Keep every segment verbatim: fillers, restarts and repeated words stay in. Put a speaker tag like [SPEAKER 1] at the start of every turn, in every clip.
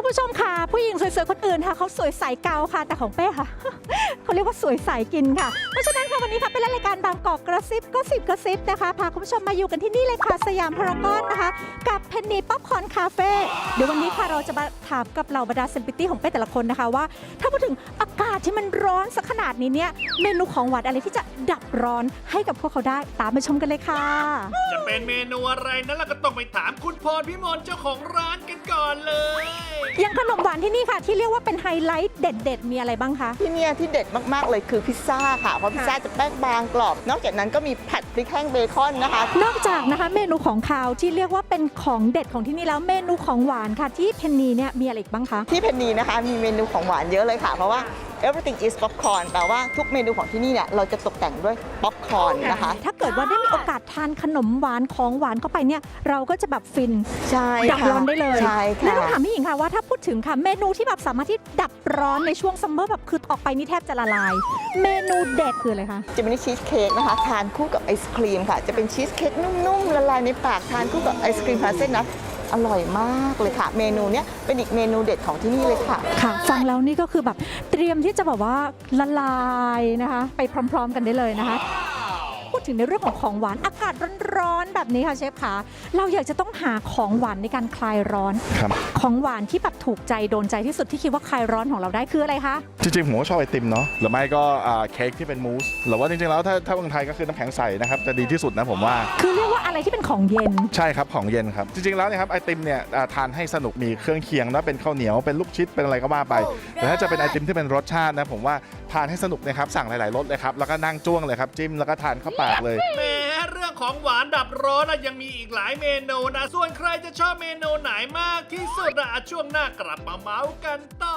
[SPEAKER 1] ผู้ชมค่ะผู้หญิงสวยๆคนอื่นค่ะเขาสวยใสเกาค่ะแต่ของเป้ค่ะ เขาเรียกว่าสวยใสกินค่ะเพราะฉะนั้นค่ะวันนี้ค่ะเป็นรายการบางกอกกระซิบก็สิบกระซิบนะคะพาคุณผู้ชมมาอยู่กันที่นี่เลยค่ะสยามพารากอนนะคะกับเพนนีป๊อปคอร์นคาเฟ่เดี๋ยววันนี้ค่ะเราจะมาถามกับเหล่าบรรดาเซเลบริตี้ของเป้แต่ละคนนะคะว่าถ้าพูดถึงอากาศที่มันร้อนสักขนาดนี้เนี่ยเมนูของหวานอะไรที่จะดับร้อนให้กับพวกเขาได้ตามไปชมกันเลยค่ะ
[SPEAKER 2] จะเป็นเมนูอะไรนั้นเราก็ต้องไปถามคุณพรพิมลเจ้าของร้านกันก่อนเลย
[SPEAKER 1] อย่างขนมหวานที่นี่ค่ะที่เรียกว่าเป็นไฮไลท์เด็ดๆมีอะไรบ้างคะ
[SPEAKER 3] ที่นี่ที่เด็ดมากๆเลยคือพิซซ่าค่ะเพราะพิซซ่าจะแป้งบางกรอบนอกจากนั้นก็มีผัดพริกแห้งเบคอนนะคะ
[SPEAKER 1] นอกจากนะคะเมนูของคาวที่เรียกว่าเป็นของเด็ดของที่นี่แล้วเมนูของหวานค่ะที่เพนนีเนี่ยมีอะไรอีกบ้างคะ
[SPEAKER 3] ที่เพนนีนะคะมีเมนูของหวานเยอะเลยค่ะเพราะว่า everything is popcorn แปลว่าทุกเมนูของที่นี่เนี่ยเราจะตกแต่งด้วยป๊อปคอร์นนะคะ
[SPEAKER 1] ถ้าเกิดว่าได้มีโอกาสทานขนมหวานของหวานเข้าไปเนี่ยเราก็จะแบบฟิน
[SPEAKER 3] ใช่
[SPEAKER 1] ดับร้อนได้เลย
[SPEAKER 3] ใช่ค่ะ
[SPEAKER 1] แล้วต้องถามพี่หญิงค่ะว่าถ้าพูดถึงค่ะเมนูที่แบบสามารถที่ดับร้อนในช่วงซัมเมอร์แบบคือออกไปนี่แทบจะละลายเมนูเด็ดคืออะไรคะ
[SPEAKER 3] จะเป็นชีสเค้กนะคะทานคู่กับไอศครีมค่ะจะเป็นชีสเค้กนุ่มๆละลายในปากทานคู่กับไอศครีมพาเส้นนะอร่อยมากเลยค่ะเมนูนี้เป็นอีกเมนูเด็ดของที่นี่เลยค่ะ
[SPEAKER 1] ค่ะฟังแล้วนี่ก็คือแบบเตรียมที่จะแบบว่าละลายนะคะไปพร้อมๆกันได้เลยนะคะพูดถึงในเรื่องของของหวานอากาศร้อนๆแบบนี้ค่ะเชฟคะเราอยากจะต้องหาของหวานในการคลายร้อนของหวานที่แบบถูกใจโดนใจที่สุดที่คิดว่าคลายร้อนของเราได้คืออะไรคะ
[SPEAKER 4] จริงๆผมก็ชอบไอติมเนาะหรือไม่ก็เค้กที่เป็นมูสหรือว่าจริงๆแล้วถ้าถ้าเมืองไทยก็คือน้ำแข็งใสนะครับจะดีที่สุดนะผมว่า
[SPEAKER 1] คือเรียกว่าอะไรที่เป็นของเย็น
[SPEAKER 4] ใช่ครับของเย็นครับจริงๆแล้วเนี่ยครับไอติมเนี่ยทานให้สนุกมีเครื่องเคียงนะเป็นข้าวเหนียวเป็นลูกชิดเป็นอะไรก็ว่าไปแต่ถ้าจะเป็นไอติมที่เป็นรสชาตินะผมว่าทานให้สนุกนะครับสั่งหลายๆรสเลยครับแล้วก็นั่งจ้วงเลยครับจิ้มแล้วก็ทานเข้าปากเลย
[SPEAKER 2] แหมเรื่องของหวานดับร้อนยังมีอีกหลายเมนูนะส่วนใครจะชอบเมนูไหนมากที่สุดอะช่วงหน้ากลับมาเมาส์กันต่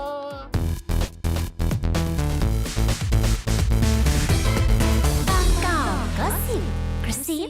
[SPEAKER 2] อบางกอกก็สิบกระซิ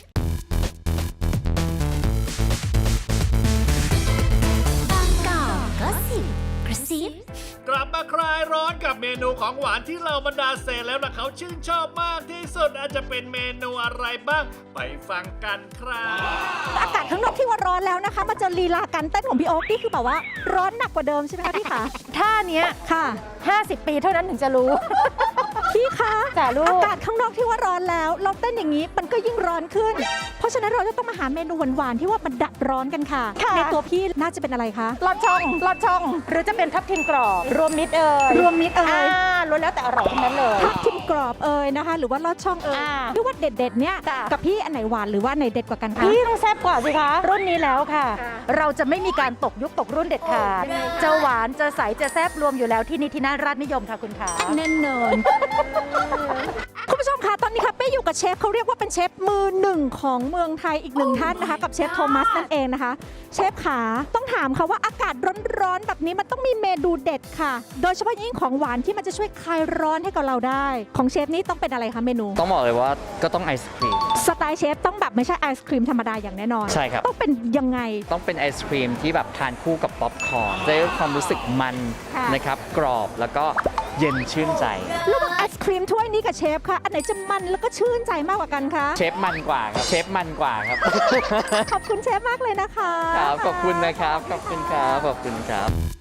[SPEAKER 2] บางกอกก็สิบกระซิบกลับมาคลายร้อนกับเมนูของหวานที่เราบรรดาเซแล้วนะเขาชื่นชอบมากที่สุดอาจจะเป็นเมนูอะไรบ้างไปฟังกันครับ
[SPEAKER 1] อากาศข้างนอกที่ว่าร้อนแล้วนะคะมาเจอลีลาการเต้นของพี่โอ๊คนี่คือแบบว่าร้อนหนักกว่าเดิมใช่ไหมคะพี่คะท่านี้ค่ะห้าสิบปีเท่านั้นถึงจะรู้พี่คะแต่ลูกอากาศข้างนอกที่ว่าร้อนแล้วเราเต้นอย่างนี้มันก็ยิ่งร้อนขึ้นเพราะฉะนั้นเราจะต้องมาหาเมนูหวานๆที่ว่ามันดับร้อนกันค่ะในตัวพี่น่าจะเป็นอะไรคะ
[SPEAKER 5] ลอดช่องลอดช่องหรือจะเป็นทับทิมกรอบรวมมิตรเอ่ย
[SPEAKER 1] รวมมิตรเอ่ย
[SPEAKER 5] ล้วนแล้วแต่อร่อยทั้งนั้นเลย
[SPEAKER 1] ทับทิมกรอบเอ่ยนะคะหรือว่าลอดช่องเอ่ยที่ว่าเด็ดๆเนี่ยกับพี่อันไหนหวานหรือว่าอันไหนเด็ดกว่ากันคะ
[SPEAKER 5] พี่ต้องแซ่บกว่าสิคะรุ่นนี้แล้วค่ะเราจะไม่มีการตกยุคตกรุ่นเด็ดขาดจะหวานจะใสจะแซ่บรวมอยู่แล้วที่นี่ที่น่าราชนิยมค่ะคุณขา
[SPEAKER 1] แน่นอนคุณผู้ชมคะตอนนี้ค่ะเป้อยู่กับเชฟเขาเรียกว่าเป็นเชฟมือหนึ่งของเมืองไทยอีกหนึ่งท่านนะคะกับเชฟโทมัสนั่นเองนะคะเชฟขาต้องถามค่ะว่าอากาศร้อนๆแบบนี้มันต้องมีเมนูเด็ดค่ะโดยเฉพาะยิ่งของหวานที่มันจะช่วยคลายร้อนให้กับเราได้ของเชฟนี่ต้องเป็นอะไรคะเมนู
[SPEAKER 6] ต้องบอกเลยว่าก็ต้องไอศครีม
[SPEAKER 1] สไตล์เชฟต้องแบบไม่ใช่ไอศครีมธรรมดาอย่างแน่นอน
[SPEAKER 6] ใช่ครับ
[SPEAKER 1] ต้องเป็นยังไง
[SPEAKER 6] ต้องเป็นไอศครีมที่แบบทานคู่กับป๊อปคอร์นได้ความรู้สึกมันนะครับกรอบแล้วก็เย็นชื่นใจ
[SPEAKER 1] ระหว่างไอศครีมถ้วยนี้กับเชฟค่ะอันไหนจะมันแล้วก็ชื่นใจมากกว่ากันคะ
[SPEAKER 6] เชฟมันกว่าครับเชฟมันกว่าครับ
[SPEAKER 1] ขอบคุณเชฟมากเลยนะคะ
[SPEAKER 6] ครับขอบคุณนะครับขอบคุณครับขอบคุณครับ